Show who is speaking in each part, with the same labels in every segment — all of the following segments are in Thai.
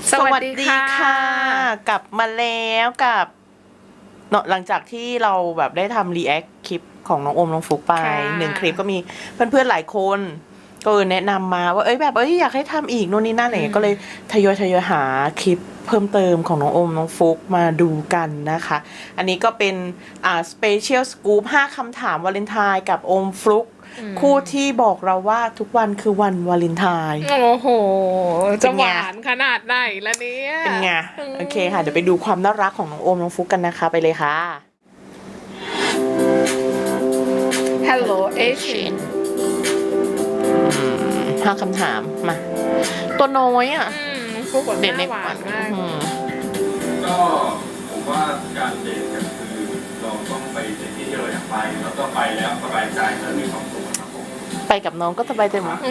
Speaker 1: สวัสดีค่ะกลับมาแล้วกับเนาะหลังจากที่เราแบบได้ทำรีแอคคลิปของน้องโอมน้องฟุกไป1 คลิปก็มีเพื่อนๆหลายคนก็แนะนำมาว่าอยากให้ทำอีกโน่นนี่นั่นอะไรเงี้ยก็เลยทยอยหาคลิปเพิ่มเติมของน้องโอมน้องฟุกมาดูกันนะคะอันนี้ก็เป็นสเปเชียลสกู๊ป5 คำถามวาเลนไทน์กับโอมฟลุกคู่ที่บอกเราว่าทุกวันคือวันวาเลนไทน์
Speaker 2: โอ้โหจะหวานขนาดไหนละเนี่ย
Speaker 1: เป็นไงโอเคค่ะเดี๋ยวไปดูความน่ารักของน้องโอมน้องฟุกกันนะคะไปเลยค่ะ
Speaker 2: Hello Asian
Speaker 1: 5 คำถามมาตัวน้อยอ่ะ
Speaker 2: ฟุกแบบ
Speaker 1: เด็ดใน
Speaker 2: หวานมาก
Speaker 3: ก็ผมว่าการเดทกันคือเราต้องไปในที่ที่เราอยากไปแล้วก็ไปแล้วสบายใจและมีความสุขครับผม
Speaker 1: ไปกับน้องก็สบายใจหมด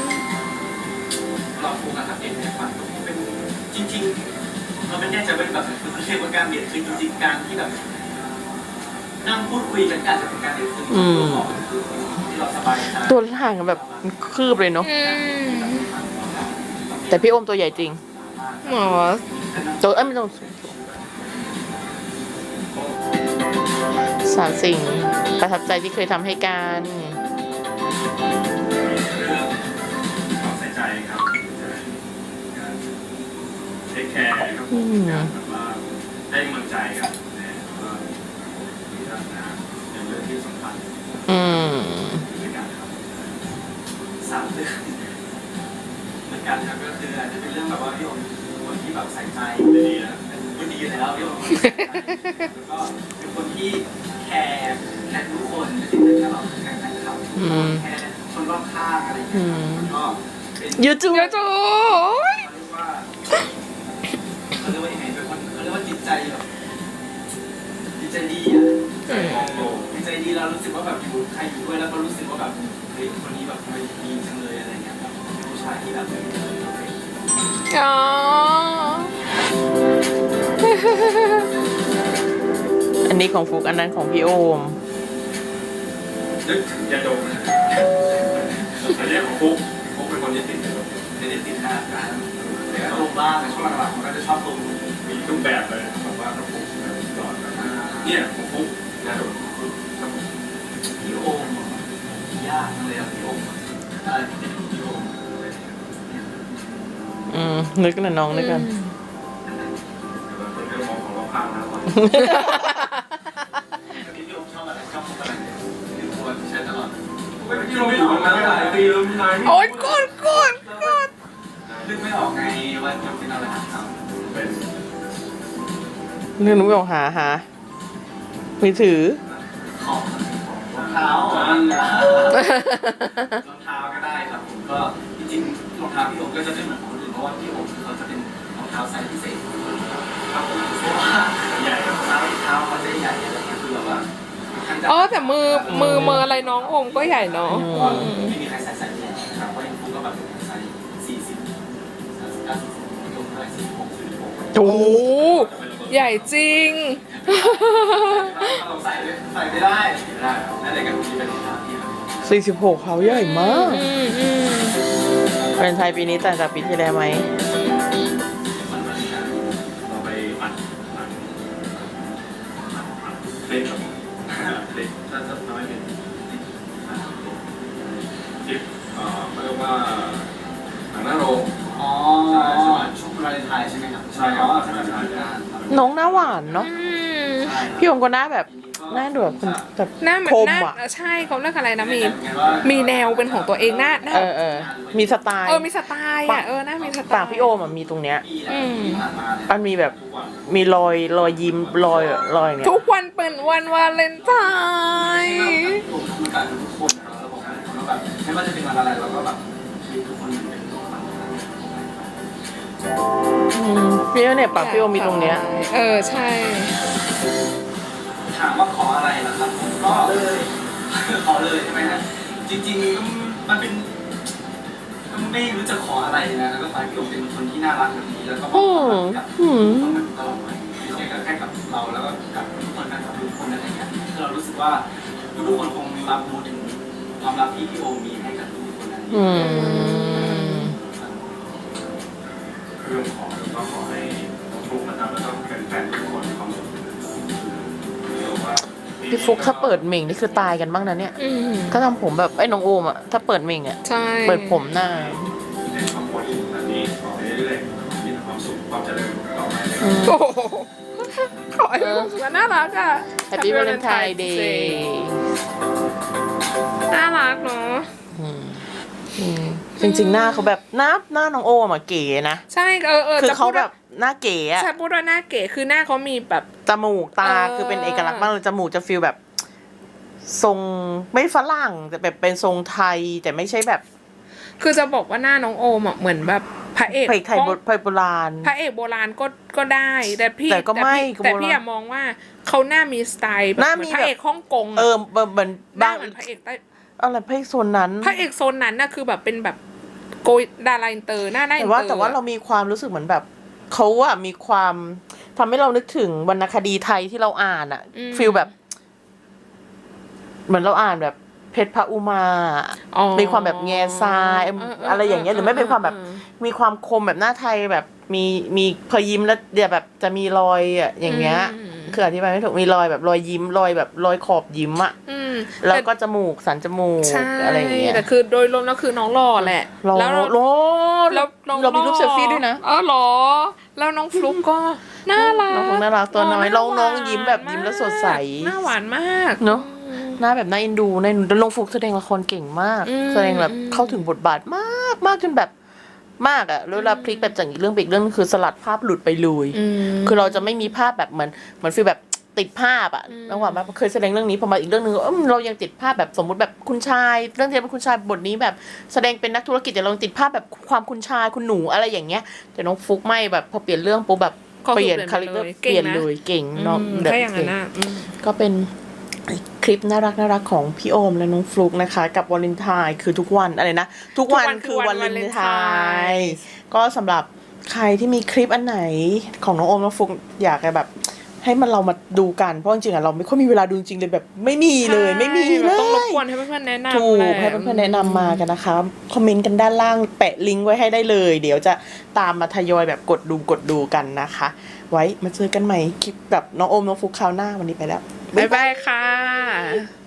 Speaker 3: เราโฟกัสกับเดทในความสุขเป็นจริงๆเราไม่แน่ใจว่าแบบมันเรียกว่าการเดทคือจริงๆการที่แบบนั่งพูดคุยกันอาจจะเป็นการเดทคือที่เราสบายใจ
Speaker 1: ตัวห่างกันแบบคืบเลยเนาะแต่พี่โอมตัวใหญ่จริง
Speaker 2: หมอ
Speaker 1: ตัวไม่ต้อง3 สิ่งประทับใจที่เคยทำให้กัน
Speaker 3: ความใส่ใจครับการเทคแคร์ครับการแบบว่าให้กำลังใจกันนะก็มีทัศนะในเรื่องที่สำคัญในการทำ3 เรื่องเหมือนกันครับก็คืออาจจะเป็นเรื่องแบบว่าพี่ผมคนที่แบบใส่ใจดีนะพูดดีอยู่แล้วพี่ผมแล้วก็เป็นคนที่แคร์ทุกคนไม่ใช่แค่เราแค่เขาแคร์คนรอบข้างอะไรอย่างเงี้ยก็เป็น
Speaker 1: ยูทูบ
Speaker 2: เดี๋ยวจู
Speaker 3: เขาเรียกว่ายังไงเป็นคนเขาเรียกว่าจิตใจแบบจิตใจดีอ่ะมองโลกจิตใจดีเรารู้สึกว่าแบบอยู่ใครอยู่ด้วยแล้วก็รู้สึกว่าแบบเฮ้ยคนนี้แบบทำไมดีจังเลยอะไรเงี้ยแบบเป็นผู้ชายที่แบบ
Speaker 2: อ๋อ
Speaker 1: อันนี้ของฟุกอันนั้นของพี่โอม
Speaker 3: นึกถึงยาดมอันนี้ของฟุ๊กเป็นคนที่ติดไม่ได้ติดหน้าการแต่ก็ลงบ้างในช่วงหลังๆมันก็จะชอบลงมีทุกแบบเลยแบบว่าของฟุ๊กตลอดเนี่ยของฟุ๊กยาดมพี่โอมยากเลยอ่ะพี่โอมอะไรที่เป็นพี่โอม
Speaker 1: นึกนะน้องนึกกัน
Speaker 3: เป็นเรื่องของเราพังนะวันพี่โอมชอบอะไรชอบอะไรที่ควรใช้ตลอดพี่โอมไม่ออกมาหลายปีแล้วนาน
Speaker 2: โอ๊ยกด
Speaker 3: นึกไม่ออกไงว่าจะเป็นอะไรครับเป็น
Speaker 1: เรื่องนู้นบอกหามือถือ
Speaker 3: ของรองเท้ารองเท้าก็ได้ครับผมก็จริงๆรองเท้าพี่โอมก็จะเป็นเหมือนคนอื่นเพราะว่าพี่โอมเขาจะเป็นรองเท้าไซส์พิเศษครับผมเพราะว่าใหญ่รองเท้าเขาจะใหญ่อะไรเงี้ยคือแบบว่า
Speaker 2: อ๋อแต่มืออะไรน้องโอมก็ใหญ่เนาะ
Speaker 3: ไม่มีใครใส่ไซส์นี้นะครับเพราะอย่างผมก็แบบไซส์40 39 พี่โอมเท่าไหร่46
Speaker 1: โอ้
Speaker 2: ใหญ่จริง
Speaker 3: เราใส่ไม่ได้อะไรกันที่เป็นรองเท้าที่
Speaker 1: 46เขาใหญ่มากเป็นไทยปีนี้ต่างจากปีที่แล้วไหม
Speaker 3: เราไปอัดเพลงกับเพลงถ้าทำให้เป็นที่เขาเรียกว่าหนังหน้าโรงใช่ช่วงวาเลนไทน์ใช่ไหมครับใช่ครับ
Speaker 1: น้องหน้าหวานเนาะพี่โอมก็หน้าแบบหน้าดูแบบแบบ
Speaker 2: หน้าเหมือนหน้าใช่เขาเรียกอะไรนะมีแนวเป็นของตัวเองหน้า
Speaker 1: มีสไตล์
Speaker 2: มีสไตล์หน้ามีสไตล์
Speaker 1: ปากพี่โอมมีตรงเนี้ยมันมีแบบมีรอยยิ้มรอยเนี่ย
Speaker 2: ทุกวันเป็นวันวาเลนไทน์
Speaker 3: ทุกคนเราแบบไม่ว่าจะเป็นวันอะไรเราก็แบบทุกคนเป็น
Speaker 1: พี่เนี่ยปากพี่โอมีตรงเนี้ย
Speaker 2: ใช่
Speaker 3: ถามว่าขออะไรล่ะครับก็ขอเลยใช่ไหมฮะจริงๆมันเป็นไม่รู้จะขออะไรนะแล้วก็ฝ่ายพี่โอเป็นคนที่น่ารักแบบนี้แล้วก็มองกับคนตลอดไปไม่ใช่แค่กับเราแล้วก็กับทุกคนกับทุกคนอะไรเงี้ยคือเรารู้สึกว่าทุกคนคงรับรู้ถึงความรักที่พี่โอมีให้กับทุกคนนั้นเรื่องของก็ขอให้ทุกนะครับแล้วก็แฟนๆทุกคนมีความสุขว่า
Speaker 1: พี่ฟุกถ้าเปิดเม่งนี่คือตายกันบ้างนะเนี่ย ถ้าทำผมแบบไอ้น้องโอมอะถ้าเปิดเม่งอะ
Speaker 2: ใช่
Speaker 1: เปิดผมหน้า
Speaker 3: ในครอบครัวที่แบบนี้ต่อไปเรื่อยๆมีแต่ความสุขความเจริญต่อไปเลย
Speaker 2: โอ้โหขอให้ความสุขน่ารักอ่ะ
Speaker 1: Happy Valentine Day
Speaker 2: น่ารักเนาะ
Speaker 1: จริงๆหน้าเขาแบบหน้าน้องโอมอะเก๋นะ
Speaker 2: ใช่
Speaker 1: คือ
Speaker 2: จะ
Speaker 1: เขา
Speaker 2: พูด
Speaker 1: แบ
Speaker 2: ว่า
Speaker 1: บหน้าเก๋อะ
Speaker 2: ใช่พูดว่าหน้าเก๋คือหน้าเขามีแบบ
Speaker 1: จมูกตา
Speaker 2: เออ
Speaker 1: คือเป็นเอกลักษณ์มากเลยจมูกจะฟีลแบบ ทรงไม่ฝรั่งแต่แบบเป็นทรงไทยแต่ไม่ใช่แบบ
Speaker 2: คือจะบอกว่าหน้าน้องโอมอ่ะเหมือนแบบพระเอก
Speaker 1: เพลงไทย
Speaker 2: ของ
Speaker 1: โบราณ
Speaker 2: พระเอกโบราณก็ได้แต่พี่
Speaker 1: แต่ก็ไม่
Speaker 2: แต่พี่
Speaker 1: โบราณ
Speaker 2: อะมองว่าเขาหน้ามีสไตล์แบบ
Speaker 1: หน้า
Speaker 2: เหมื
Speaker 1: มี
Speaker 2: อนพระเอกฮ่องกง
Speaker 1: เอ
Speaker 2: อะ
Speaker 1: อเหมือน
Speaker 2: หน้า
Speaker 1: บาง
Speaker 2: เหมือนพระเอกใต้
Speaker 1: อะไรเพลงโซนนั้น
Speaker 2: พระเอกโซนนั้นน่ะคือแบบเป็นแบบโกยดาราอินเตอร์หน้าอิน
Speaker 1: แต่
Speaker 2: เตอ
Speaker 1: ว่า
Speaker 2: ร์
Speaker 1: แต่ว่าเรามีความรู้สึกเหมือนแบบเขาอะมีความทำให้เรานึกถึงวรรณคดีไทยที่เราอ่านอะฟีลแบบ เหมือนเราอ่านแบบเพชรพระอุมา
Speaker 2: อ๋อ
Speaker 1: มีความแบบแง่ทรายอะไรอย่างเงี้ยหรือไม่เป็นความแบบ มีความคมแบบหน้าไทยแบบมีพอยิ้มแล้วเดี๋ยวแบบจะมีรอยอะอย่างเงี้ย คืออธิบายไม่ถูกมีรอยแบบรอยยิ้มรอยแบบรอยขอบยิ้มอะ
Speaker 2: อืม
Speaker 1: แล้วก็จมูกสันจมูก
Speaker 2: ใช่
Speaker 1: อะไรอย่างเงี้ย
Speaker 2: แต่คือโดยรวมแล้วคือน้องหล่อแหละ
Speaker 1: รอ
Speaker 2: แล้ว
Speaker 1: รอ
Speaker 2: แล้วน้อง
Speaker 1: เรามีรูปเซลฟี่ด้วยนะ
Speaker 2: หรอ แล้วน้องฟลุ๊กก็น่ารัก
Speaker 1: น้องฟลุ๊กน่ารักตัวน้อยน้องยิ้มแบบยิ้มแล้วสดใส
Speaker 2: หน้าหวานมาก
Speaker 1: เนาะหน้าแบบน่าเอ็นดูน่าเอ็นดูแล้วลงฟุกแสดงละครเก่งมาก แสดงแบบเข้าถึงบทบาทมากมากจนแบบมากอะแล้วเวลาพลิกแบบจากอีกเรื่องไปอีกเรื่องคือสลัดภาพหลุดไปเลยคือเราจะไม่มีภาพแบบเหมือนฟีลแบบติดภาพอะระหว่างแบบเคยแสดงเรื่องนี้พอมาอีกเรื่องนึงเรายังติดภาพแบบสมมุติแบบคุณชายเรื่องที่เป็นคุณชายบทนี้แบบแสดงเป็นนักธุรกิจแต่เรายังติดภาพแบบความคุณชายคุณหนูอะไรอย่างเงี้ยแต่น้องฟุกไม่แบบพอเปลี่ยนเรื่องปุ๊บแบบเปลี่ยนคาแรคเตอร์เปลี่ยนเลยเก่งเนาะแบบ
Speaker 2: ถ้าอย่างนั้นนะ
Speaker 1: ก็เป็นคลิปน่ารักของพี่โอมและน้องฟลุกนะคะ กับวาเลนไทน์คือทุกวันอะไรนะทุกวันคือวาเลนไทน์ก็สำหรับใครที่มีคลิปอันไหนของน้องโอมน้องฟลุกอยากจะแบบให้มันเรามาดูกันเพราะจริงๆอะเราไม่ค่อยมีเวลาดูจริงเลยแบบไม่มีเลยไม่มีเลย
Speaker 2: ต้องรบกวนให้เพื่อนๆแนะนำ
Speaker 1: ถูกให้เพื่อนๆแนะนำมากันนะคะคอมเมนต์กันด้านล่างแปะลิงก์ไว้ให้ได้เลย เดี๋ยวจะตามมาทยอยแบบกดดูกันนะคะ ไว้มาเจอกันใหม่คลิปกับน้องโอมน้องฟลุกคราวหน้าวันนี้ไปแล้ว
Speaker 2: บ๊ายบายค่ะ